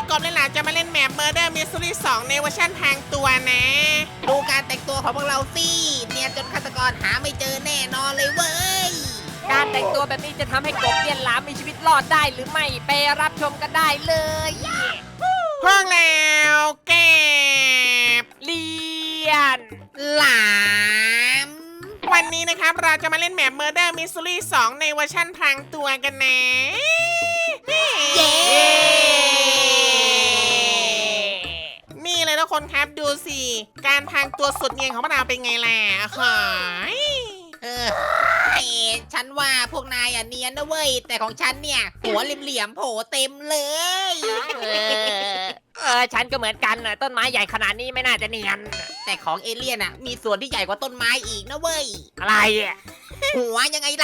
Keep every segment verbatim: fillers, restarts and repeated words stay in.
กบเลยล่ะจะมาเล่นแมป Murder Mystery สองในเวอร์ชันทางตัวนะดูการแต่งตัวของพวกเราสิเนียนจนฆาตกรหาไม่เจอแน่นอนเลยเว้ยการแต่งตัวแบบนี้จะทำให้กบเลียนหลามมีชีวิตรอดได้หรือไม่ไปรับชมกันได้เลยพวกแล้วเก็บเลียนหลามวันนี้นะครับเราจะมาเล่นแมป Murder Mystery สองในเวอร์ชันพรางตัวกันนะเย้นี่เลยทุกคนครับดูสิการพรางตัวสุดเนียนของพวกเราเป็นไงล่ะหอยเออฉันว่าพวกนายอ่ะเนียนนะเว้ยแต่ของฉันเนี่ยหัวเหลี่ยมๆโผล่เต็มเลยเออเออฉันก็เหมือนกันน่ะต้นไม้ใหญ่ขนาดนี้ไม่น่าจะเนียนแต่ของเอเลี่ยนอ่ะมีส่วนที่ใหญ่กว่าต้นไม้อีกนะเว้ยอะไรอ่ะหัวยังไงเรา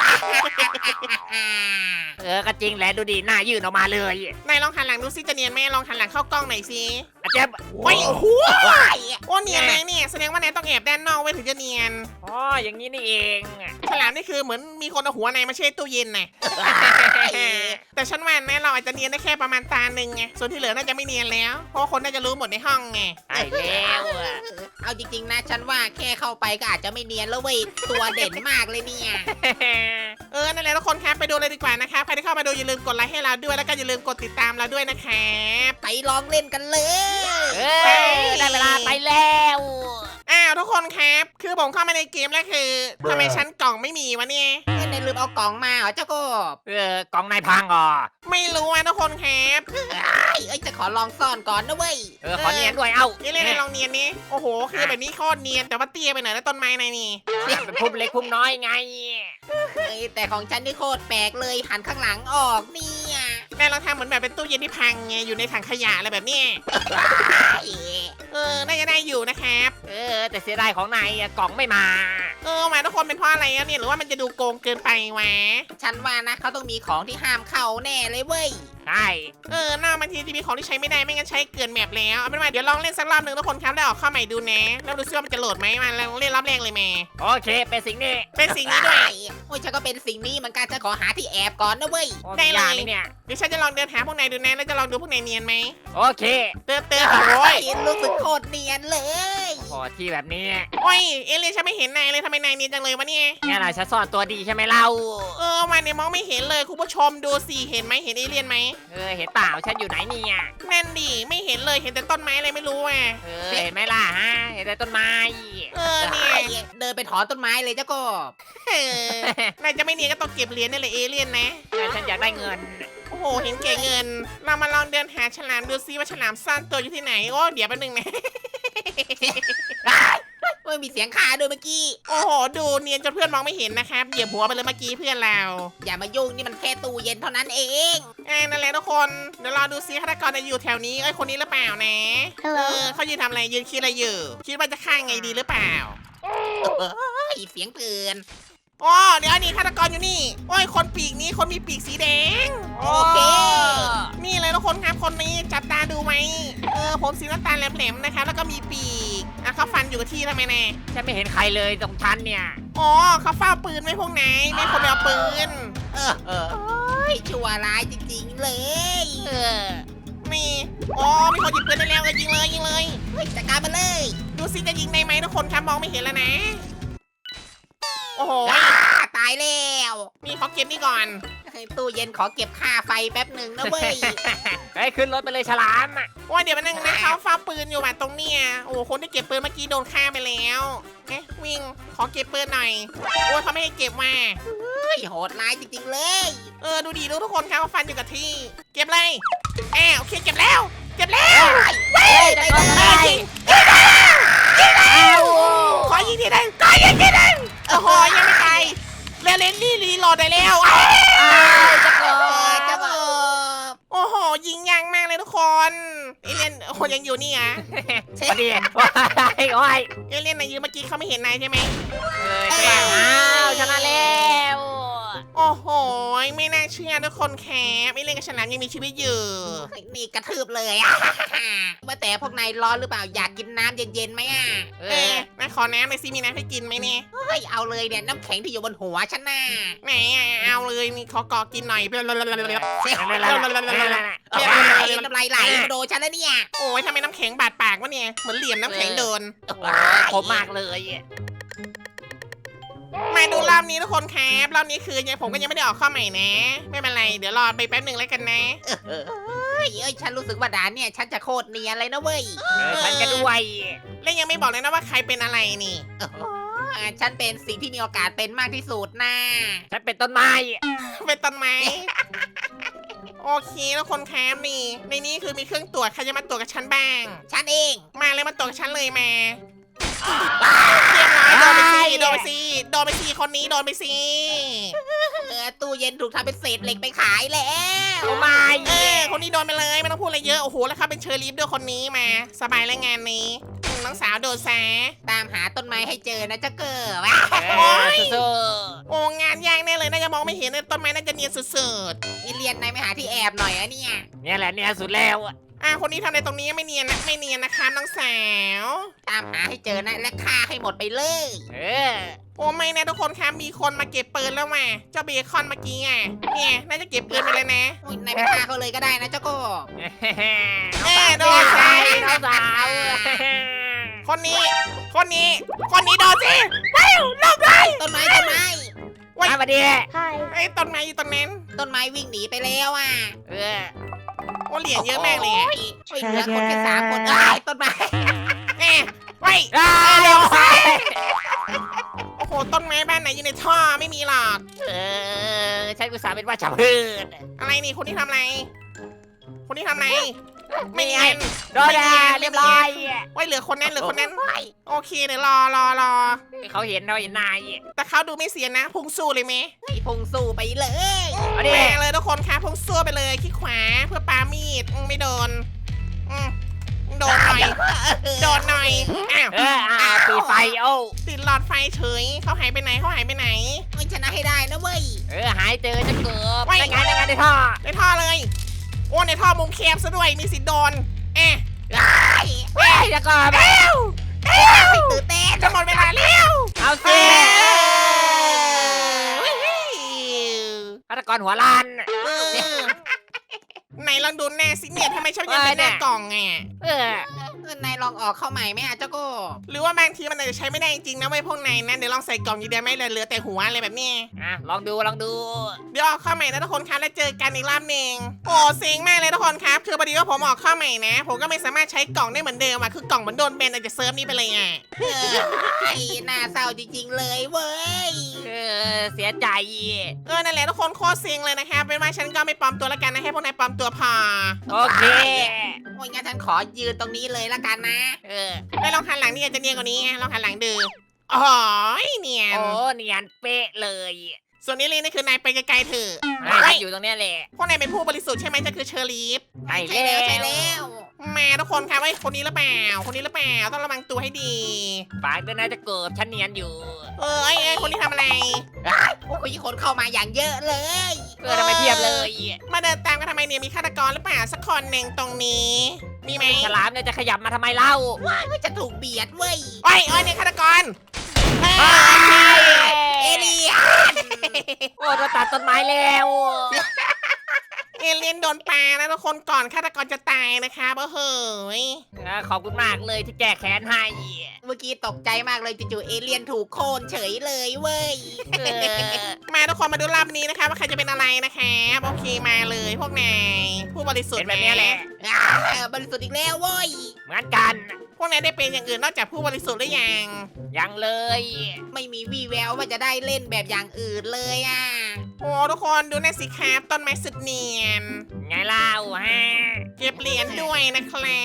เออก็จริงแหละดูดิหน้ายื่นออกมาเลยนายลองหันหลังดูสิจะเนียนไหมลองหันหลังเข้ากล้องหน่อยสิอาจจะโอ้ยโอ้โหโอ้เนียนเลยเนี่ยแสดงว่านายต้องแอบด้านนอกไว้ถึงจะเนียนอ๋ออย่างนี้นี่เองฉลามนี่คือเหมือนมีคนเอาหัวนายมาเช็ดตู้เย็นน่ะ แต่ฉันว่านะเราอาจจะเนียนได้แค่ประมาณตาหนึ่งไงส่วนที่เหลือน่าจะไม่เนียนแล้วเพราะว่าคนน่าจะรู้หมดในห้องไงใช่แล้วอะเอาจริงๆนะฉันว่าแค่เข้าไปก็อาจจะไม่เนียนแล้วเว้ยตัวเด่นมากเลยเนี่ยเออนั่นแหละทุกคนครับไปดูเลยดีกว่านะครับใครที่เข้ามาดูอย่าลืมกดไลค์ให้เราด้วยแล้วก็อย่าลืมกดติดตามเราด้วยนะครับไปลองเล่นกันเลยเอ้ยได้เวลาไปแล้วอ้าวทุกคนครับคือผมเข้ามาในเกมแล้วคือทำไมชั้นกล่องไม่มีวะเนี่ยนายลืมเอากล่องมาเหรอเจ้ากบเออกองนายพังอ่ะไม่รู้อ่ะทุกคนครับเอ้ยเอ้ยจะขอลองซ่อนก่อนนะเว้ยเออขอเนียนด้วยเอ้านี่เล่นในลองเนียนนี้โอ้โหคือแบบนี้โคตรเนียนแต่ว่าเตี้ยไปหน่อยแล้วต้นไม้ในนี่เป็นพุ่มเล็กพุ่มน้อยไงเฮ้ยแต่ของฉันนี่โคตรแปลกเลยหันข้างหลังออกเนี่ยแม่เราทำเหมือนแบบเป็นตู้เย็นที่พังไงอยู่ในถังขยะอะไรแบบเนี้ยเอ้ยเออน่าจะได้อยู่นะครับเออแต่เสียดายของนายอะกล่องไม่มาเออมาทุกคนเป็นเพราะอะไรอะเนี่ยหรือว่ามันจะดูโกงเกินไปวะฉันว่านะเขาต้องมีของที่ห้ามเข้าแน่เลยเว้ยใช่เออหน้าบางทีจะมีของที่ใช้ไม่ได้ไม่งั้นใช้เกินแมปแล้วเอาเป็นว่าเดี๋ยวลองเล่นสักรอบหนึ่งทุกคนครับแล้วออกเข้าใหม่ดูนะแล้วดูซิว่ามันจะโหลดไหมมาลองเล่นรอบแรกเลยแม่โอเคเป็นสิ่งนี้เป็นสิ่งนี้ด้วยโอ้ยฉันก็เป็นสิ่งนี้เหมือนกันจะขอหาที่แอบก่อนนะเว้ยโอ้ได้มีเลยยาไหมเนี่ยเดี๋ยวฉันจะลองเดินหาพวกนายดูนะแล้วจะลองดูพวกนายเนียนไหมโอเคเติมเติมโอ้ยรู้สึกโคตรเนียนเลยพอที่แบบนี้โอ้ยเอเลียนฉันไม่เห็นนายเลยทำไมนายเนียนจังเลยวะเนี่ยเนี่ยนะฉันซ่อนตัวดีใช่ไหมเล่าเออมาเนี่ยมองไม่เห็นเลยคุณผู้ชมดูสิเห็นไหมเห็นเอเลียนไหมเออเห็นเปล่าฉันอยู่ไหนเนี่ยนั่นดิไม่เห็นเลยเห็นแต่ต้นไม้อะไรไม่รู้อ่ะเออเห็นไหมล่ะฮะเห็นแต่ต้นไม้เออเนี่ยเดินไปถอนต้นไม้เลยเจ้ากบเออนายจะไม่เนียนก็ต้องเก็บเหรียญนี่แหละเอเลียนนะแต่ฉันอยากได้เงินโอ้โหเห็นเก๋เงิน เรามาลองเดินหาฉลามดูซิว่าฉลามซ่อนตัวอยู่ที่ไหนโอ้เดี๋ยวแป๊บนึงนะเฮ้ยมีเสียงขาด้วยเมื่อกี้โอ้โหดูเนียนจนเพื่อนมองไม่เห็นนะครับเหยียบหัวไปเลยเมื่อกี้เพื่อนเราอย่ามายุ่งนี่มันแค่ตู้เย็นเท่านั้นเองอ่านั่นแหละทุกคนเดี๋ยวรอดูซิฆาตกรจะอยู่แถวนี้เอ้ยคนนี้หรือเปล่านะเออเขายืนทำอะไรยืนคิดอะไรอยู่คิดว่าจะฆ่าไงดีหรือเปล่าเฮ้ยเสียงปืนอ๋อเดี๋ยวอันนี้ฆาตกรอยู่นี่โอ้ยคนปีกนี้คนมีปีกสีแดงโอเคนี่เลยทุกคนครับคนนี้จับตาดูไหมเออผมสีน้ำตาลแหลมๆนะครับแล้วก็มีปีกอ่ะเขาฟันอยู่กับที่ทำไมแน่ฉันไม่เห็นใครเลยตรงฉันเนี่ยอ๋อเขาเฝ้าปืนไว้พวกไหนไม่คนไปเอาปืนเออเออเฮ้ยชั่วร้ายจริงๆเลยเออนี่อ๋อมีคนหยิบปืนได้แล้วเลยยิงเลยยิงเลยเฮ้ยจัดการมาเลยดูซิจะยิงได้ไหมทุกคนครับมองไม่เห็นแล้วนะ โอ้โหว้าตายแล้วนี่ขอเก็บนี่ก่อนเฮ้ยตู้เย็นขอเก็บค่าไฟแป๊บหนึ่งนะเว้ยเฮ้ยขึ้นรถไปเลยฉลามอ่ะว่าเดี๋ยวมานั่งนะเขาเฝ้าปืนอยู่แบบตรงเนี้ยโอ้โหคนที่เก็บปืนเมื่อกี้โดนฆ่าไปแล้วเอ๊ะวิ่งขอเก็บปืนหน่อยโอ้ยเขาไม่ให้เก็บมาเฮ้ยโหดร้ายจริงๆเลยเออดูดีดูทุกคนครับเขาฟันอยู่กับที่ เก็บเลยแอบโอเคเก็บแล้ว เก็บแล้วเฮ้ยไปเลยอ้าวขอยิงทีหนึงขอยิงทีหนึงโอ้โหยังไม่ตายเรเลนนี่รีโหลดได้แล้วอ้าวอ้าวจะกเอออดเจ้าโบโอ้โหยิงยางมากเลยทุกคนเอเลียนโอ้โหยังอยู่นี่อ่ะพอดีว้ายโอ้ยเอเลียนนายยืนเมื่อกี้เขาไม่เห็นนายใช่ไหมเอ้ยอ้าวชนะแล้วโอ้โหไม่น่าเชื่อทุกคนแคปไม่เล่นกับฉลามยังมีชีวิตอยู่เฮ้ยนี่กระทืบเลยอะ ว่าแต่พวกนายร้อนหรือเปล่าอยากกินน้ำเย็นๆไหมอ่ะเอเอออนายขอน้ำหน่อยสิมีน้ำให้กินไหมเนี่ยเฮ้ยเอาเลยเนี่ยน้ำแข็งที่อยู่บนหัวฉันน่ะไหนอ่ะเอาเลยนี่ขอกอกินหน่อยเฮ้ยนั่นๆๆๆน้ำลายลายไหลมาโดนฉันแล้วเนี่ยโอ้ยทำไมน้ำแข็งบาดปากวะเนี่ย เหมือนเหลี่ยมน้ำแข็งโดนโอ้ยผมมากเลยมาดูรอบนี้ทุกคนครับรอบนี้คือยังผมก็ยังไม่ได้ออกข้อใหม่นะ ไม่เป็นไร เดี๋ยวรอไปแป๊บหนึ่งแล้วกันนะเฮ้ยเอ้ยฉันรู้สึกว่าด่านเนี่ยฉันจะโคตรเนียนเลยนะเว้ยเออฉันก็ด้วยและยังไม่บอกเลยนะว่าใครเป็นอะไรนี่อ่าฉันเป็นสิ่งที่มีโอกาสเป็นมากที่สุดนะฉันเป็นต้นไม้เป็นต้นไม้ โอเคทุกคนครับนี่ ในนี้คือมีเครื่องตรวจใครจะมาตรวจกับฉันบ้างฉันเองมาเลยมาตรวจกับฉันเลยมาเรียบร้อยโดนไปสิโดนไปสิโดนไปสิคนนี้โดนไปสิเออตู้เย็นถูกทำเป็นเศษเหล็กไปขายแล้วโอ้ไม่เออคนนี้โดนไปเลยไม่ต้องพูดอะไรเยอะโอ้โหแล้วเขาเป็นเชอร์ลีฟด้วยคนนี้มา สบายแล้วงานนี้อืมน้องสาวโดนแซะตามหาต้นไม้ให้เจอนะเจ้าเกิดโอ้ยสู้โอ้งานยากแน่เลยน่าจะมองไม่เห็นเลยต้นไม้น่าจะเนียนสุดนี่เรียนนายไม่หาที่แอบหน่อยอะเนี่ยๆเนี่ยแหละเนี่ยสุดแล้วอะๆอ่ะคนนี้ทำอะไรตรงนี้ไม่เนียนนะไม่เนียนนะคะน้องสาวตามหาให้เจอนะและฆ่าให้หมดไปเลยเออโอ้ไม่นะทุกคนครับมีคนมาเก็บปืนแล้วว่ะเจ้าเบคอนเมื่อกี้อ่ะเนี่ยน่าจะเก็บปืนไปเลยนะอุ๊ยนายไปฆ่าเขาเลยก็ได้นะเจ้าโก็เอ้โดนสาใส่วน้องสาวคนนี้ คนนี้ คนนี้โดนสิว้าวลบเลยต้นไม้ต้นไม้มามาดีไอ้ต้นไม้อยู่ตรงนั้นต้นไม้วิ่งหนีไปแล้วอ่ะเออโอ้เหรียญเยอะมากเลยอะโอ้ยเหลือคนแค่สามคนเอ้ยต้นไม้เอ้ไว้อ้าเร็ววสิโอ้โหต้นไม้บ้านไหนอยู่ในท่อไม่มีหรอกเออฉันกุศลเป็นว่าชาวพืชอะไรนี่คนที่ทำอะไร คนที่ทำอะไร ไม่เนียนโดนแล้วเรียบร้อยไว้เหลือคนนั้นเหลือคนนั้น โอเคเดี๋ยวรอรอรอเขาเห็นเราเห็นนายแต่เขาดูไม่เสียนะ พุ่งสู้เลยไหมไอ้พุงสู้ไปเลยเอาดิแม่เลยทุกคนครับพุ่งสู้ไปเลยขี้ขวาเพื่อปามีดอืมไม่โดนอืมโดนหน่อย โดนหน่อย อ้าวเอออ่าตีไฟโอ้ติดหลอดไฟเฉย เขาหายไปไหนเขาหายไปไหนมันชนะให้ได้นะเว้ยเออหายเจอจะเกือบไว้ได้ไงได้ไงในท่อในท่อเลย โอ้ในท่อมุมแคบซะด้วย มีสิทธิ์โดนแอะเฮ้ยจะก่อนเอ้วตื่นเต้นจะหมดเวลาแล้วเอาสิเอ้ยฆาตกรหัวล้านเออไหนลองดูหน้าสิเนี่ยทำไมชอบยังเป็นหน้ากล่องไงเออนายลองออกเข้าใหม่ไหมอ่ะเจ้าโก็หรือว่าบางทีมันอาจจะใช้ไม่ได้จริงๆนะเว้ยพวกนายนะเดี๋ยวลองใส่กล่องอยู่เดียวไม่เหลือแต่หัวอะไรแบบเนี้ยอ่ะลองดูลองดูเดี๋ยวออกข้อใหม่นะทุกคนครับแล้วเจอกันอีกรอบหนึ่งโอ้เซ็งมากเลยทุกคนครับคือพอดีว่าผมออกข้อใหม่นะ ผมก็ไม่สามารถใช้กล่องได้เหมือนเดิมอะคือกล่องมันโดนแบนอาจจะเซิร์ฟนี้ไปเลยอ่ะเออไอ้น่าเศร้าจริงๆเลยเว้ยเออเสียใจเออนั่นแหละทุกคนโคตรเซ็งเลยนะครับเป็นว่าฉันก็ไม่ปลอมตัวแล้วกันนะให้พวกนายปลอมตัวพอโอเคโอ้ยงั้นฉันขอยืนตรงนี้เลยละกันนะเออแล้วลองหันหลังนี่อาจจะเนียนกว่านี้ไงลองหันหลังดูอ๋อเนียนโอ้เนียนเป๊ะเลยส่วนนี้เลยนี่คือนายไปไกลๆเถอะนายเฮ้ยอยู่ตรงเนี้ยแหละพวกนายเป็นผู้บริสุทธิ์ใช่ไหมจะคือเชอร์ลีฟใช่ใช่แล้แล้วใช่วแล้วมาทุกคนครับไอ้ยคนนี้หรือเปล่า คนนี้หรือเปล่าต้องระวังตัวให้ดีฝากด้วยนะจะเกิดฉันเนียนอยู่เออไอ้ไอ้ยคนนี้ทำอะไรโอ้ยคนเข้ามาอย่างเยอะเลยเออทำไมเพียบเลยมาเดินตามกันทำไมเนี่ยมีฆาตกรหรือเปล่าสักคนหนึ่งตรงนี้ มีไหมฉลามเนี่ยจะขยับมาทำไมเล่าเฮ้ยจะถูกเบียดเว้ยโอ้ยโอ้ยเนี่ยฆาตกรเอ้ยเอเลียนโอ้โดนตัดต้นไม้แล้วเอเลียนโดนปลานะทุกคนก่อนฆาตกรจะตายนะครับเออเฮ้ยอ่ะขอบคุณมากเลยที่แก้แค้นให้เมื่อกี้ตกใจมากเลยจู่ๆเอเลียนถูกโค่นเฉยเลยเว้ยเออมาทุกคนมาดูรอบนี้นะคะว่าใครจะเป็นอะไรนะครับโอเคมาเลยพวกนายผู้บริสุทเป็ธิ์นแบบเนี้ยแหละอ่าเออบริสุทธิ์อีกแล้วเว้ยเหมือนกันพวกนายได้เป็นอย่างอื่นนอกจากผู้บริสุทธิ์หรือยังยังเลยไม่มีวี่แววว่าจะได้เล่นแบบอย่างอื่นเลยอ่ะโอ้ทุกคนดูหน่าสิครับต้นไม้สุดเนียนไงเล่าฮะเก็บเหรียญด้วยนะครับ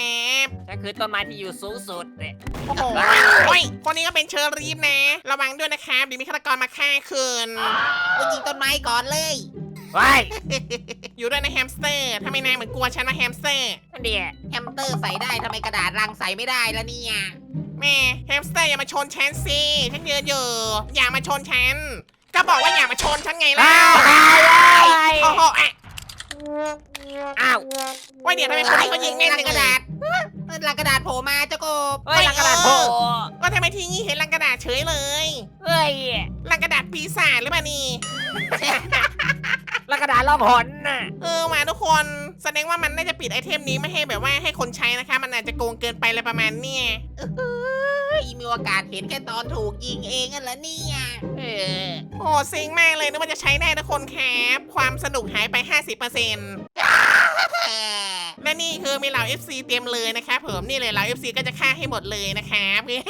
ก็คือต้นไม้ที่อยู่สูงสุดเนี่ยโอ้โหโอ้ยคนนี้ก็เป็นเชอรีฟนะ ระวังด้วยนะครับเดี๋ยวมีฆาตกรมาฆ่าคืนไปยิงต้นไม้ก่อนเลยว้ายอยู่ด้วยนะแฮมสเตอร์ทำไมนายเหมือนกลัวฉันนะแฮมสเตอร์นั่นเดียแฮมสเตอร์ใส่ได้ทำไมกระดาษรังใส่ไม่ได้ละเนี่ยแม่แฮมสเตอร์อย่ามาชนฉันสิฉันยืนอยู่อย่ามาชนฉันก็บอกว่าอย่ามาชนฉันไงล่ะอ้าวอ้าวโอ้โหอ่ะอ้าวว่าเดี๋ยวทำไมคนนี้เขายิงแม่นจังกระเลดาย ษเอลังกระดาษโผล่มาเจ้ากบเฮ้ยลังกระดาษโผล่ก็ทำไมทีงี้เห็นลังกระดาษเฉยเลยเฮ้ยลังกระดาษปีศาจหรือเปล่านี่ลังกระดาษล่องหนน่ะเออมาทุกคนแสดงว่ามันน่าจะปิดไอเทมนี้ไม่ให้แบบว่าให้คนใช้นะคะ มันอาจจะโกงเกินไปอะไรประมาณเนี้ยเฮ้ยมีโอกาสเห็นแค่ตอนถูกยิงเองกันเหรอเนี่ยเออโอ้เซ็งมากเลยนึกว่าจะใช้ได้ทุกคนครับความสนุกหายไป ห้าสิบเปอร์เซ็นต์ และนี่คือมีเหล่า เอฟ ซี เตรียมเลยนะครับผมนี่เลยเหล่า เอฟ ซี ก็จะฆ่าให้หมดเลยนะครับ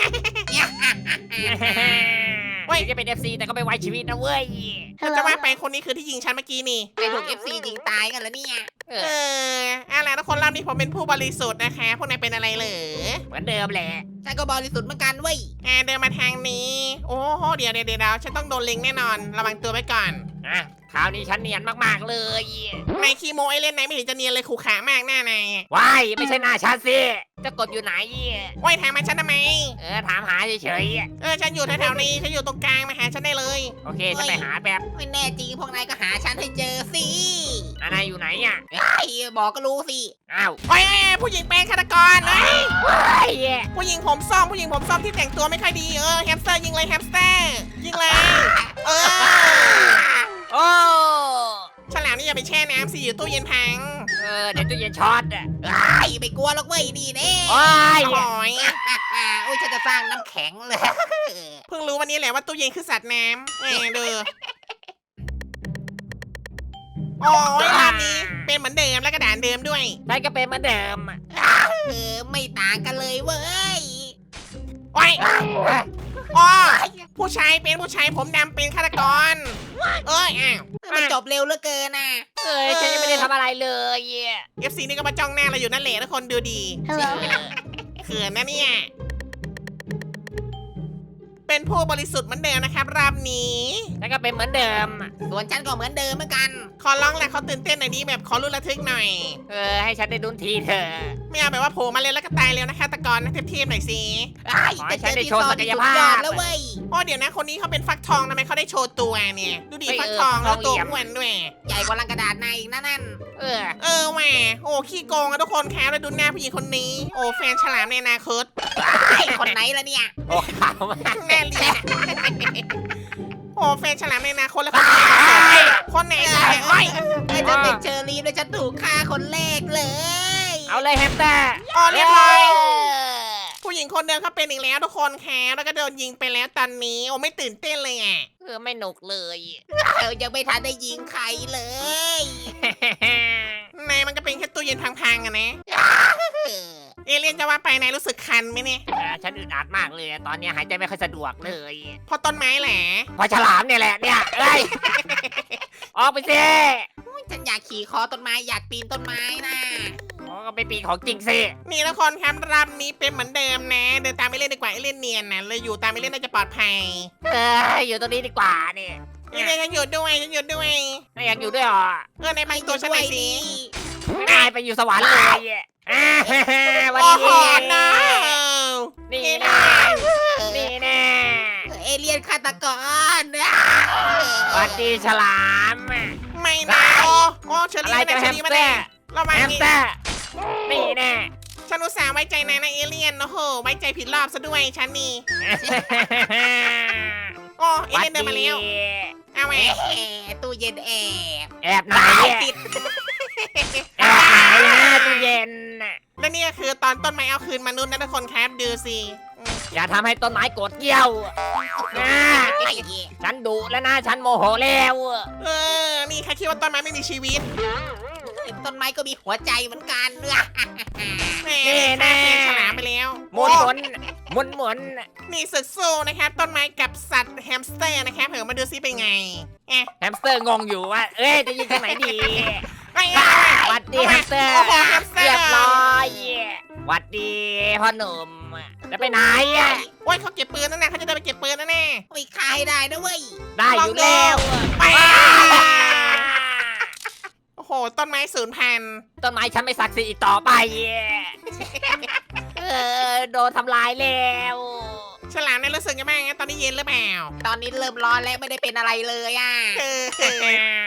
เฮ้ยถึงจะเป็น เอฟ ซี แต่ก็ไม่ไว้ชีวิตนะเว้ยจะว่าไปคนนี้คือที่ยิงฉันเมื่อกี้นี่ไปถูก เอฟ ซี ยิงตายกันเหรอเนี่ยเอเออออะไรทุกคนรอบนี้ผมเป็นผู้บริสุทธิ์นะคะพวกนายเป็นอะไรเหรอเหมือนเดิมแหละฉันก็บริสุทธิ์เหมือนกันเว้ยอ่าเดินมาทางนี้ โอ้โหเดี๋ยวเดี๋ยวเดี๋ยวฉันต้องโดนเล็งแน่นอน ระวังตัวไว้ก่อนอ่ะคราวนี้ฉันเนียนมากๆเลยนายคีโมไอเล่นไหนไม่เห็นจะเนียนเลยขู่ขามากหน้านายว้ายไม่ใช่หน้าฉันสิเจะกบอยู่ไหนว่ายถามมาฉันทำไมเออถามหาเฉยเออฉันอยู่แถวๆนี้ฉันอยู่ตรงกลางมาหาฉันได้เลยๆโอเคฉันไปหาแบบไม่แน่จริงพวกนายก็หาฉันให้เจอสิอ่ะนายอยู่ไหนอ่ะไอ้บอกก็รู้สิอ้าวโอ้ยเอ้ยผู้หญิงเป็นฆาตกรเอ้ยว้ายผู้หญิงผมส้มผู้หญิงผมส้มที่แต่งตัวไม่ค่อยดีเออแฮมสเตอร์ยิงเลยแฮมสเตอร์ยิงเลยเออโอ้ฉลามนี่อย่าไปแช่น้ำสิอยู่ตู้เย็นพังเออเดี๋ยวตู้เย็นช็อตอ่ะไอ้ไม่กลัวหรอกเว้ยนี่แน่ว้ายโอ้ยโอ้ยฉันจะสร้างน้ำแข็งเลยเพิ่งรู้วันนี้แหละว่าตู้เย็นคือสัตว์น้ำเออเด้อโอ้ยรอบนี้เป็นเหมือนเดิมและกระดานเดิมด้วยฉันก็เป็นเหมือนเดิมอะเออไม่ต่างกันเลยเว้ยโอ้ยอ๋อผู้ชายเป็นผู้ชายผมดำเป็นฆาตกร เอ้ยอ้าวมันจบเร็วเหลือเกินน่ะเอ้ยฉันยังไม่ได้ทำอะไรเลยเอฟซีนี่ก็มาจ้องหน้าเราอยู่นั่นแหละทุกคนดูดี Hello เขินนะเนี่ย เป็นผู้บริสุทธิ์เหมือนเดิมนะครับรอบนี้ฉันก็เป็นเหมือนเดิมอะส่วนฉันก็เหมือนเดิมเหมือนกันขอร้องแหละเขาตื่นเต้นหน่อยดีแบบขอรุนระทึกหน่อยเออให้ฉันได้ดุนทีเถอะไม่เอาแบบว่าโผล่มาเร็วแล้วก็ตายเร็วนะคะตะกอนนะเทียบๆหน่อยสิไอ้แต่เจอที่ซอนที่สุดยอดแล้วเว้ยโอ้เดี๋ยวนะคนนี้เขาเป็นฟักทองทำไมเขาได้โชว์ตัวเนี่ย ดูดิเฮ้ยฟักทองเออแล้วตัวทองเหลี่ยมอ้วนด้วยใหญ่กว่าลังกระดาษในอีกนะนั่นเออเออแหมโอ้ขี้โกงอะทุกคนครับแล้วดูหน้าผู้หญิงคนนี้ โอ้แฟนฉลามในอนาคตไอ้คนไหนล่ะเนี่ยโอ้ขาวมากแน่เลียโอ้แฟนฉลามในอนาคตแล้วคนไหนคนไหนล่ะโอ้ยไอ้จะเป็นเชอรี่แล้วฉันถูกฆ่าคนแรกเลยเอาเลยแฮมสเตอร์อ๋อเรียบร้อยเออผู้หญิงคนเดิมเขาเป็นอีกแล้วทุกคนครับแล้วก็โดนยิงไปแล้วตอนนี้โอ้ไม่ตื่นเต้นเลยอ่ะเออไม่หนุกเลยเออยังไม่ทันได้ยิงใครเลยนายมันก็เป็นแค่ตู้เย็นพังๆอะนะเออเอเลี่ยนจะว่าไปนายรู้สึกคันไหมเนี่ยอ่าฉันอึดอัดมากเลย ตอนนี้หายใจไม่ค่อยสะดวกเลยเพราะต้นไม้แหละเพอฉลามเนี่ยแหละเนี่ยเอ้ย ออกไปสิฉันอยากขี่คอต้นไม้อยากปีนต้นไม้นะอ๋อก็ไปปีนของจริงสินี่ทุกคนครับรอบนี้เป็นเหมือนเดิมนะ เดินตามไปเล่นดีกว่าเอเลี่ยนเนียนนะเลยอยู่ตามไปเล่นน่าจะปลอดภัยเอออยู่ตรงนี้ดีกว่าเนี่ยเอเลี่ยนฉันอยู่ด้วยฉันอยู่ด้วยนายอยากอยู่ด้วยเหรอเออในบางตัวฉันหน่อยสินายไปอยู่สวรรค์เลยอ่าวันโอ้โหนี้นะนี่เอแน่เลี่ยนนี่แน่เอเลียนฆาตกรสวัสดีฉลามไม่นะโอ้โอ้เชออะไรรี่จะมาแฮเชอมรี่สมาเตอเนี่ยร์เรามาแฮมนี่สเตอร์นี่แน่ฉันอุตส่าห์ไว้ใจนายนะเอเลี่ยนโอ้โหไว้ใจผิดรอบซะด้วยฉันนี่โอ้เอเลี่ยนเดินมาแล้วเอาไว้แอบตู้เย็นแอบแอบไหนตายอะติดแอบไหนนะตู้เย็นน่ะและนี่ก็คือตอนต้นไม้เอาคืนมนุษย์นะทุกคนครับดูสิอืมอย่าทำให้ต้นไม้โกรธเกรี้ยวนะไอ้ฉันดุแล้วนะฉันโมโหแล้วเออ นี่ใครคิดว่าต้นไม้ไม่มีชีวิตต้นไม้ก็มีหัวใจเหมือนกันเนอะแหมฆ่าเพียงฉลามไปแล้วหมุนโอ้หมุนหมุนหมุนนี่ศึกสู้นะครับ ต้นไม้กับสัตว์แฮมสเตอร์นะครับเผื่อมาดูซิเป็นไงเอ๊ะแฮมสเตอร์งงอยู่ว่า เอ้ยจะยิงทางไหนดีไอ้ไอ้หวัดดีแฮมสเตอร์โอ้โหแฮมสเตอร์เรียบร้อยหวัดดีพ่อหนุ่มจะไปไหนอะโอ้ยเขาเก็บปืนนั่นนะเขาจะเดินไปเก็บปืนนั่นแน่ไม่คายได้นะเว้ยได้อยู่แล้วไปโอ้โห ต้นไม้สูญพันธุ์ต้นไม้ฉันไม่ศักดิ์สิทธิ์อีกต่อไป เออโดนทำลายแล้วฉลามเนี่ยรู้สึกยังไงบ้างตอนนี้เย็นหรือเปล่าตอนนี้เริ่มร้อนแล้วไม่ได้เป็นอะไรเลยอ่ะเออ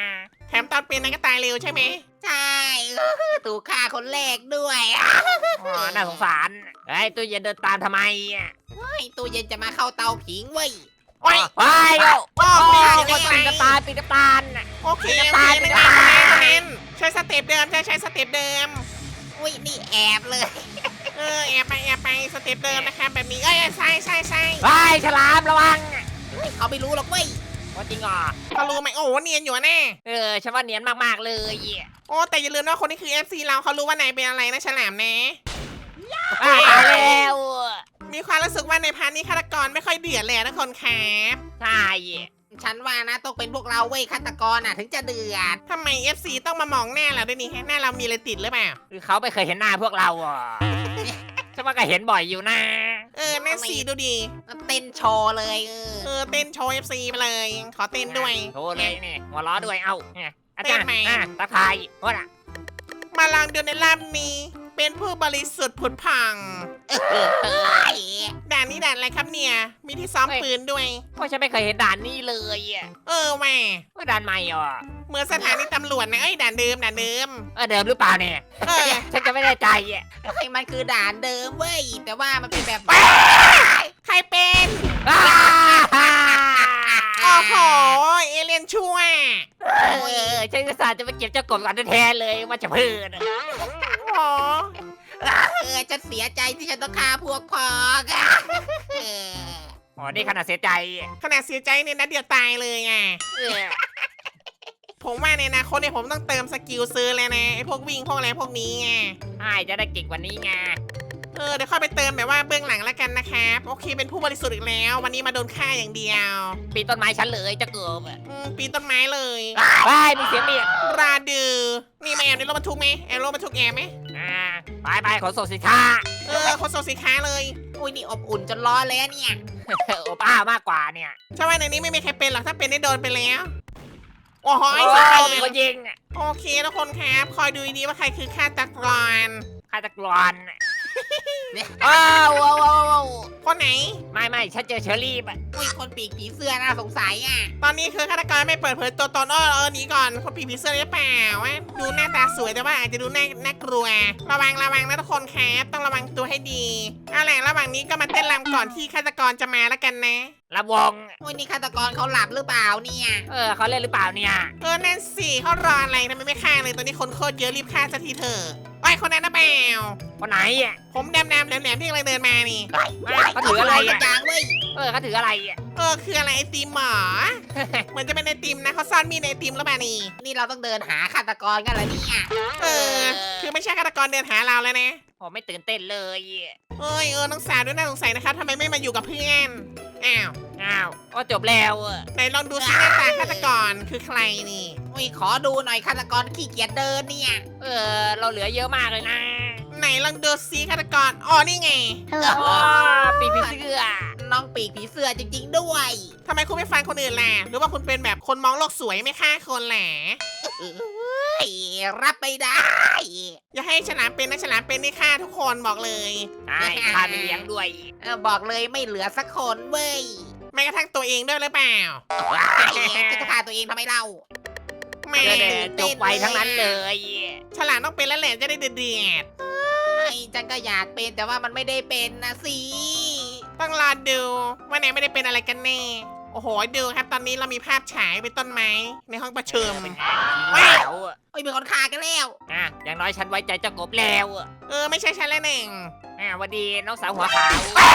แถมตอนเป็นนั้นก็ตายเร็วใช่ไหมใช่ถูกฆ่าคนแรกด้วยอ๋อน่าสงสารไอ้ยตู้เย็นเดินตามทำไมอ่ะไอ้ตู้เย็นจะมาเข้าเตาผิงเว้ยโอ้ยไปโอ้โอ้โอ้ไม่ยได้คนไม่ปีนได้กระตายปีนกระตานน่ะโอเคไม่โอได้เคไม่ไม่ได้ได้ไม่ได้ใช้สเต็ปเดิมใช้ใช้สเต็ปเดิมอุ้ยนี่แอบเลยเออแอบไปแอบไปสเต็ปเดิมนะคะแบบนี้เอ้ยใช่ใช่ใช่ไปฉลามระวังเฮ้ยเขาไม่รู้หรอกเว้ยว่าจริงเหรอเขารู้ไหมโอ้โหเนียนอยู่แน่เออฉันว่าเนียนมากๆเลยอ่ะโอ้แต่อย่าลืมว่าคนนี้คือ เอฟ ซี เราเขารู้ว่านายเป็นอะไรนะฉลามนะอ้าวตายแล้วมีความรู้สึกว่าในพาร์ทนี้ฆาตกรไม่ค่อยเดือดเลยนะคนครับใช่ฉันว่านะต้องเป็นพวกเราเว้ยฆาตกรน่ะถึงจะเดือดทำไม เอฟ ซี ต้องมามองหน้าเราด้วยนี่ฮะหน้าเรามีอะไรติดหรือเปล่าคือเขาไม่เคยเห็นหน้าพวกเราอ่ะฉันว่าก็เห็นบ่อยอยู่นะเออนั่นสีดูดีเต้นโชว์เลยเออเออเต้นโชว์ เอฟ ซี ไปเลย ขอเต้นด้วยโชว์เลยนี่หัวล้อด้วยเอ้าเนี่ยอาจารย์เต้นไหมอ่ะตะไคร้ว่าน่ะมาลองดูในรอบนี้ เป็นผู้บริสุทธิ์ผุดผ่องเฮ้ยด่านนี้ด่านอะไรครับเนี่ย มีที่ซ้อมปืนด้วยเพราะฉันไม่เคยเห็นด่านนี้เลยอ่ะเออแหม่ว่าด่านใหม่อ่ะเหมือนสถานีตำรวจนะเอ้ยด่านเดิมด่านเดิมเออเดิมหรือเปล่าเนี่ยเออฉันจะไม่ได้ใจอ่ะไอ้มันคือด่านเดิมเว้ยแต่ว่ามันเป็นแบบใครเป็นอ้าโอ้โห เอเลียนชั่วเออฉันก็สาจะไปเก็บเจ้ากบก่อนแท้ๆเลยว่าจะพืชโอ้เออฉันเสียใจที่ฉันต้องฆ่าพวกพ้องอะเอออ๋อนี่ขนาดเสียใจอ่ะขนาดเสียใจเนี่ยนะเดียวตายเลยไงเออผมว่าในอนาคตเนี่ยผมต้องเติมสกิลซื้อเลยนะไอ้พวกวิ่งพวกอะไรพวกนี้ไงใช่จะได้เก่งกว่านี้ไงเออเดี๋ยวค่อยไปเติมแบบว่าเบื้องหลังแล้วกันนะครับโอเคเป็นผู้บริสุทธิ์อีกแล้ว วันนี้มาโดนฆ่าอย่างเดียวปีนต้นไม้ฉันเลยเจะเกิบอ่ะอืมปีนต้นไม้เลยไปมีเสียงเมียดราดือนี่มาแอบในรถบรรทุกไหมแอบรถบรรทุกแอบไหมอ่าไปไปขนส่งสินค้าเออคนส่งสินค้าเลยอุ้ยนี่อบอุ่นจนร้อนเลยอะเนี่ยโอป้ามากกว่าเนี่ยใช่ว่าในนี้ไม่มีใครเป็นหรอกถ้าเป็นได้โดนไปแล้วโอ้โหโอ้ไอ้สัตว์มีคนยิงอ่ะโอเคทุกคนครับคอยดูดีๆว่าใครคือฆาตกรฆาตกรอ่ะว้าวว้าวว้าวว้าวคนไหนไม่ไม่ฉันเจอเชอรี่อ่ะอุ้ยคนปีกผีเสื้อน่าสงสัยอ่ะตอนนี้คือฆาตกรไม่เปิดเผยตัวตนอ้อเออหนีก่อนคนผีผีเสื้อหรือเปล่าวะดูหน้าตาสวยแต่ว่าอาจจะดูน่าน่ากลัว ระวังระวังนะทุกคนครับต้องระวังตัวให้ดีเอาแหละระหว่างนี้ก็มาเต้นรำก่อนที่ฆาตกรจะมาแล้วกันนะระวงอุ้ยนี่ฆาตกรเขาหลับหรือเปล่าเนี่ยเออเขาเล่นหรือเปล่าเนี่ยเออนั่นสิเขารออะไรทำไมไม่ฆ่าเลยตอนนี้คนโคตรเยอะรีบฆ่าสักทีเถอะไอ้ยคนนั้นนะเปล่าคนไหนอ่ะผมดำๆแหลมๆที่กำลังเดินมานี่ไม่เขาถืออะไรสัอ่ะกอย่างเว้ยเออเขาถืออะไรอ่ะเออคืออะไรไอติมหมอ เหมือนจะเป็นไอติมนะเขาซ่อนมีดในไอติมแล้วมานี่นี่เราต้องเดินหาฆาตกรกันเหรอเนี่ยเออ คือไม่ใช่ฆาตกรเดินหาเราแล้วนะผมไม่ตื่นเต้นเลยเอ้ยเออน้องสาวด้วยน่าสงสัยนะครับทำไมไม่มาอยู่กับเพื่อนอ้าวอ้าวก็จบแล้วอ่ะไหนลองดูซิหน้าตาฆาตกรคือใครนี่อุ้ยขอดูหน่อยฆาตกรขี้เกียจเดินเนี่ยเออเราเหลือเยอะมากเลยนะไหนลองดูซิฆาตกรอ๋อนี่ไงอ๋อปีผีเสื้อน้องปีกผีเสื้อจริง ๆ ด้วยทำไมคุณไม่ฟังคนอื่นล่ะหรือว่าคุณเป็นแบบคนมองโลกสวยไม่ฆ่าคนแหละเอ้ยรับไม่ได้อย่าให้ฉลามเป็นนะฉลามเป็นนี่ฆ่าทุกคนบอกเลยใช่พาไปเลี้ยงด้วยเออบอกเลยไม่เหลือสักคนเว้ยแม้กระทั่งตัวเองด้วยหรือเปล่าจะฆ่าตัวเองทำไมเล่าแม่เดี๋ยวๆจบไวทั้งนั้นเลยฉลามต้องเป็นแล้วแหละจะได้เดือดไอ้จังก็อยากเป็นแต่ว่ามันไม่ได้เป็นนะสิๆต้องรอดูว่าไหนไม่ได้เป็นอะไรกันแน่โอ้โหดูครับตอนนี้เรามีภาพฉายเป็นต้นไม้ในห้องประชุมว้าวอ่ะโอ้ยมีคนฆ่ากันแล้วอ่ะอย่างน้อยฉันไว้ใจเจ้ากบแล้วอ่ะเออไม่ใช่ฉันแล้วหนึ่งอ่ะหวันดีน้องสาวหัวขาว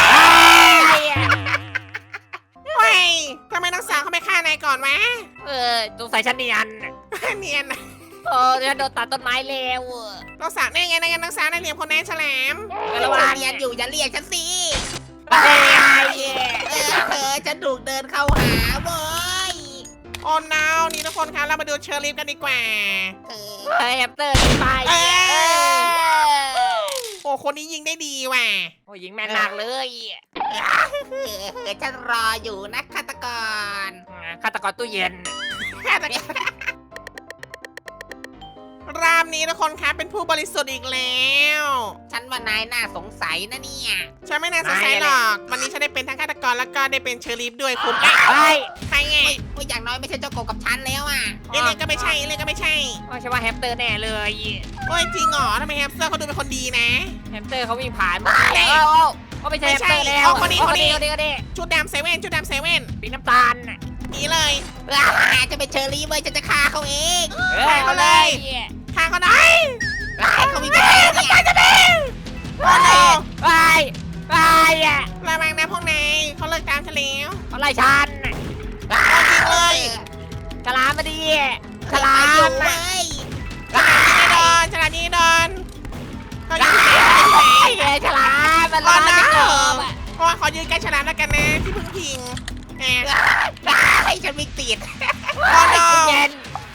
เฮ้ยทำไมน้องสาวเขาไม่ฆ่านายก่อนวะเออสงสัยฉันเนียนเนียนนะโอ้ฉันโดนตัดต้นไม้แล้วอ่ะน้องสาวนี่ไงนั่นไงน้องสาวนั่นเหลี่ยมคนนั้นฉลามเออระระวัวังงเรียนอยู่อย่าเรียกฉันสิไปเออเออฉันถูกเดินเข้าหาเว้ยโอ้นาวนี่ทุกคนครับเรามาดูเชอร์ลิฟกันดีกว่าเออเฮ้ยแฮมสเตอร์หนีไปเออเออโอ้คนนี้ยิงได้ดีว่ะโอ้ยิงแม่นมากเลยเออฉันรออยู่นะฆาตกรอ่ะฆาตกรตู้เย็นฆาตกรรอบนี้ทุกคนครับเป็นผู้บริสุทธิ์อีกแล้วฉันว่านายน่าสงสัยนะเนี่ยฉันไม่น่าสงสัยหรอกวันนี้ฉันได้เป็นทั้งฆาตกรแล้วก็ได้เป็นเชอรีฟด้วยคุณเอ๊ะเฮ้ยใครไงโอ้ยอย่างน้อยไม่ใช่เจ้ากบกับฉันแล้วอ่ะเอเลี่ยนก็ไม่ใช่เอเลี่ยนก็ไม่ใช่ว่าใช่ว่าแฮมสเตอร์แน่เลยโอ้ยจริงเหรอทำไมแฮมสเตอร์เขาดูเป็นคนดีนะแฮมสเตอร์เขาวิ่งผ่านเฮ้ยโอ้โอ้โอ้ไม่ใช่แฮมสเตอร์แล้วเอาคนนี้โอ้คนนี้คนนี้คนนี้ชุดดำเซเว่นชุดดำเซเว่นปีน้ำตาลน่ะหนีเลยอ่าจะเป็นเชอรี่เว้ยฉันจะฆ่าเขาเองเออเอาเลยฆ่าเขาหน่อยอ่าเขามีแผนเนี่ยโอ้โหไปไปอ่ะระวังนะพวกนายเขาเลิกตามฉันแล้วเขาไล่ฉันน่ะเอาจริงเลยฉลามมาดีฉฉลาลามมเว้น่ะยฉลาดยิงไอ้ดอนฉลาดยิงไอ้ดอนเขาอยู่ที่ไหนเขาอยู่ที่ไหนไอ้ฉลามมันร้อนจะเกิบอ่ะเพราะว่าขอยืนใกล้ฉลามแล้วกันนะที่เพึ่งพิงแหมให้ฉันวิ่งติดโอ้โหเย็น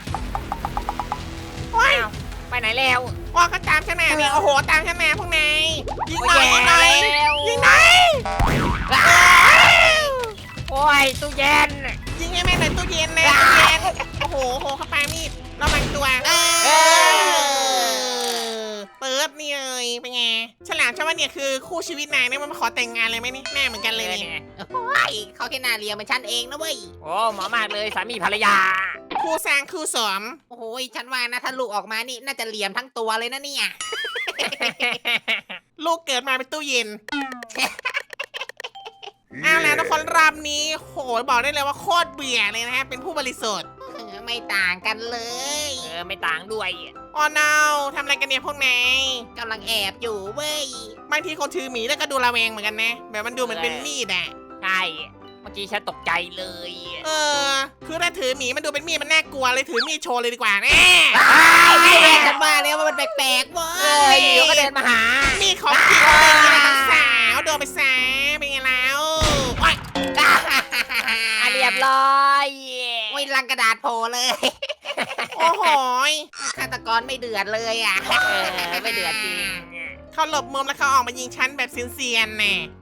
โอ้ยอ้าวไปไหนแล้วว่าเขาตามฉันมาเนี่ยโอ้โหตามฉันมาพวกนายยิงหน่อยโอ้ยิงหน่อยแย่แล้วยิงหน่อยโอ้ยตู้เย็นยิงให้แม่หน่อยตู้เย็นนะตู้เย็นโอ้โหโอ้โหเขาปามีดระวังตัวเอเออเปิดนี่เลยเป็นไงฉลามฉันว่าเนี่ยคือคู่ชีวิตนายเนี่ยมันมาขอแต่งงานเลยไหมนี่หน้าเหมือนกันเลยเนี่ยโอ้ยเขาแค่หนาเรียเหมือนฉันเองนะเว้ยโอ้หมอมากเลยสามีภรรยาคู่สร้างคู่สมโอ้โหฉันว่านะถ้าลูกออกมานี่น่าจะเหลี่ยมทั้งตัวเลยนะเนี่ยลูกเกิดมาเป็นตู้เย็นเอาแล้วทุกคนรอบนี้โหยบอกได้เลยว่าโคตรเบื่อเลยนะฮะเป็นผู้บริสุทธิ์ไม่ต่างกันเลยเออไม่ต่างด้วยอ๋อ no ทำอะไรกันเนี่ยพวกนายกำลังแอบอยู่เว้ยบางทีคนถือหมีแล้วก็ดูระแวงเหมือนกันนะแบบมันดูเหมือนเป็นมีดอะใช่เมื่อกี้ฉันตกใจเลยเออคือถ้าถือหมีมันดูเป็นมีดมันน่ากลัวเลยถือมีดโชว์เลยดีกว่าแน่ไอ้แม่ฉันว่าแล้วว่ามันแปลกๆเว้เอย ออยู่ก็เดินมาหามีดของจริงเลยนี่นะน้องสาวโดนไปซะเป็นไงแล้วโอ๊ยอ่ะเรียบร้อยโอ้ยลังกระดาษโผล่เลยโอ้โหยฆาตกรไม่เดือดเลยอ่ะเออไม่เดือดจริงเขาหลบมุมแล้วเขาออกมายิงฉันแบบเซียนๆแน่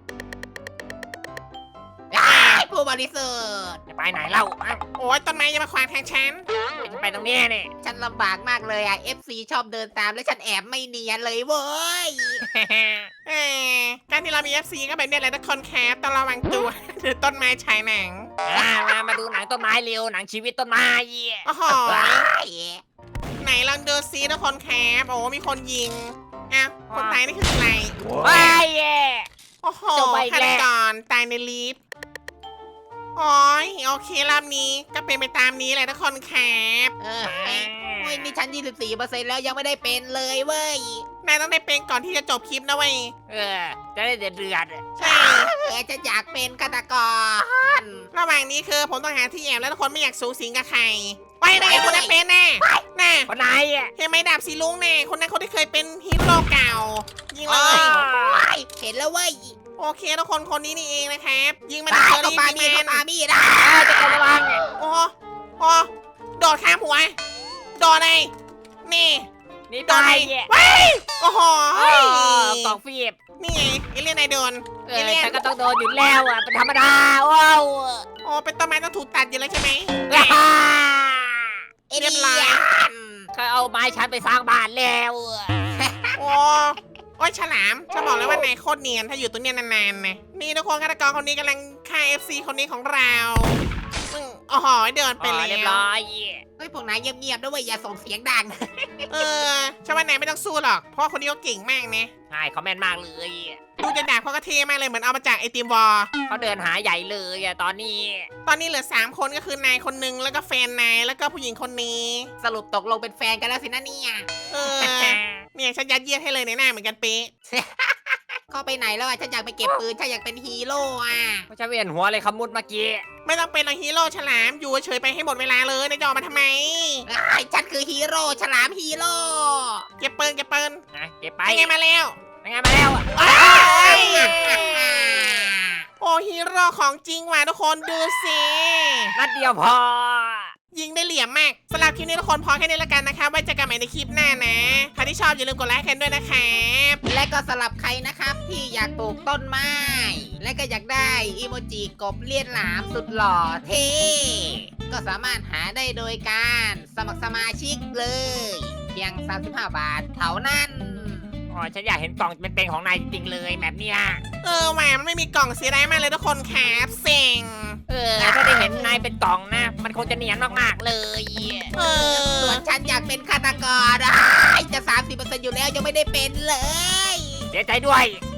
ผู้บริสุทธิ์จะไปไหนเล่าอ้าวโอ้ยต้นไม้จะมาขวางทางฉันจะไปตรงนี้เนี่ยฉันลำบากมากเลยอ่ะ เอฟ ซี ชอบเดินตามแล้วฉันแอบไม่เนียนเลยเว้ยเออการที่เรามี เอฟ ซี ก็แบบนี้แหละทุกคนแคปต้องระวังตัวหรือต้นไม้ฉายหนังอ่ะมามาดูหนังต้นไม้เร็วหนังชีวิตต้นไม้โอ้โหว้ายไหนลองดูซิทุกคนแคปโอ้มีคนยิงอ้าวคนตายนี่คือใครไปเย่โอ้โหจบไปอีกฆาแล้ตวกรตายในลิฟต์โอ้ยโอเครอบนี้ก็เป็นไปตามนี้แหละทุกคนแคปเออโอ้ยนี่ฉัน ยี่สิบสี่เปอร์เซ็นต์ แล้วยังไม่ได้เป็นเลยเว้ยนายต้องได้เป็นก่อนที่จะจบคลิปนะเว้ยเออจะได้เดือดเดือดใช่เออฉันอยากเป็นฆาตกรระหว่างนี้คือผมต้องหาที่แอบแล้วทุกคนไม่อยากสูงสิงกับใครไว้ได้ไงคนนั้นเป็นแน่แน่คนไหนอ่ะเห็นไหมดาบสีลุงแน่คนนั้นคนที่เคยเป็นฮีโร่เก่า ยิงเลยว้ายเห็นแล้วเว้ยโอเคทุกคนคนนี้นี่เองนะครับยิงมาตาที่ยเชอก็รี่ปาบีมีดแมก็นปามีดอ่ะอ่ะจะกระวังโอ้โอ้โดดข้ามหัวโดดเลยนี่นี่โดตานเลยยว้ายโอ้โหเออกล่องฟีบนี่ไงเอเลี่ยนนายโดนเอเออเลี่ยนฉันก็ต้องโดนอยู่แล้วอ่ะเป็นธรรมดาว้าวโอ้เป็นต้นไม้ต้องถูกตัดอยู่แล้วใช่ไหมเอเรีเลี่ยบร้อยยนเขาเอาไม้ฉันไปสร้างบ้านแล้วโอ้โอ้ยฉลามจะบอกเลยว่านายโคตรเนียนถ้าอยู่ตรงเนี้ยนานๆนะนี่ทุกคนฆาตกรคนนี้กำลังฆ่า เอฟ ซี คนนี้ของเราอืมโอ้โหเดินไปอ๋อแล้เรียบวร้อยเฮ้ยพวกนายเงียบๆด้วยเวยอย่าส่งเสียงดังเออฉันว่านายไม่ต้องสู้หรอก เพราะว่าคนนี้เขาเก่งมากนะใช่เขาแม่นมากเลยดูจะดาบเขาก็เท่มากเลยเหมือนเอามาจากไอติมวอลเขาเดินหาใหญ่เลยอ่ะตอนนี้ตอนนี้เหลือสามคนก็คือนายคนนึงแล้วก็แฟนนายแล้วก็ผู้หญิงคนนี้สรุปตกลงเป็นแฟนกันแล้วสินะเนี่ยเออ เนี่ยฉันยัดเยียดให้เลยในหน้าเหมือนกันเป๊ะเข้าไปไหนแล้วอ่ะฉันอยากไปเก็บปืนฉันอยากเป็นฮีโร่อ่ะเขาจะเวียนหัวเลยคำมุดเมื่อกี้ไม่ต้องเป็นหรอกฮีโร่ฉลามอยู่เฉยๆไปให้หมดเวลาเลยนายจะออกมาทำไมไอ้ฉันคือฮีโร่ฉลามฮีโร่เก็บปืนเก็บปืนนะเก็บไปไปไงมาแล้วยังไงมาแล้วอ่ะเอ้ย โอ้ฮีโร่ของจริงว่ะทุกคนดูสินัดเดียวพอยิงได้เหลี่ยมมากสำหรับคลิปนี้ทุกคนพอแค่นี้แล้วกันนะคะไว้เจอกันใหม่ในคลิปหน้านะใครที่ชอบอย่าลืมกดไลค์กันด้วยนะครับและก็สำหรับใครนะครับที่อยากปลูกต้นไม้ และก็อยากได้อีโมจิกบเลียนหลามสุดหล่อเท่ก็สามารถหาได้โดยการสมัครสมาชิกเลยพียงสามสิบห้าบาทเท่านั้นอ๋อฉันอยากเห็นกล่องเป็นๆของนายจริงๆเลยแบบเนี้ยเออแหวมันไม่มีกล่องเสียดายมากเลยทุกคนครับเซ็งเออถ้าได้เห็นนายเป็นกล่องนะ มันคงจะเนียนมากๆเลยเออส่วนฉันอยากเป็นฆาตกรอ้ายจะ สามสิบเปอร์เซ็นต์ อยู่แล้วยังไม่ได้เป็นเลยเสียใจด้วย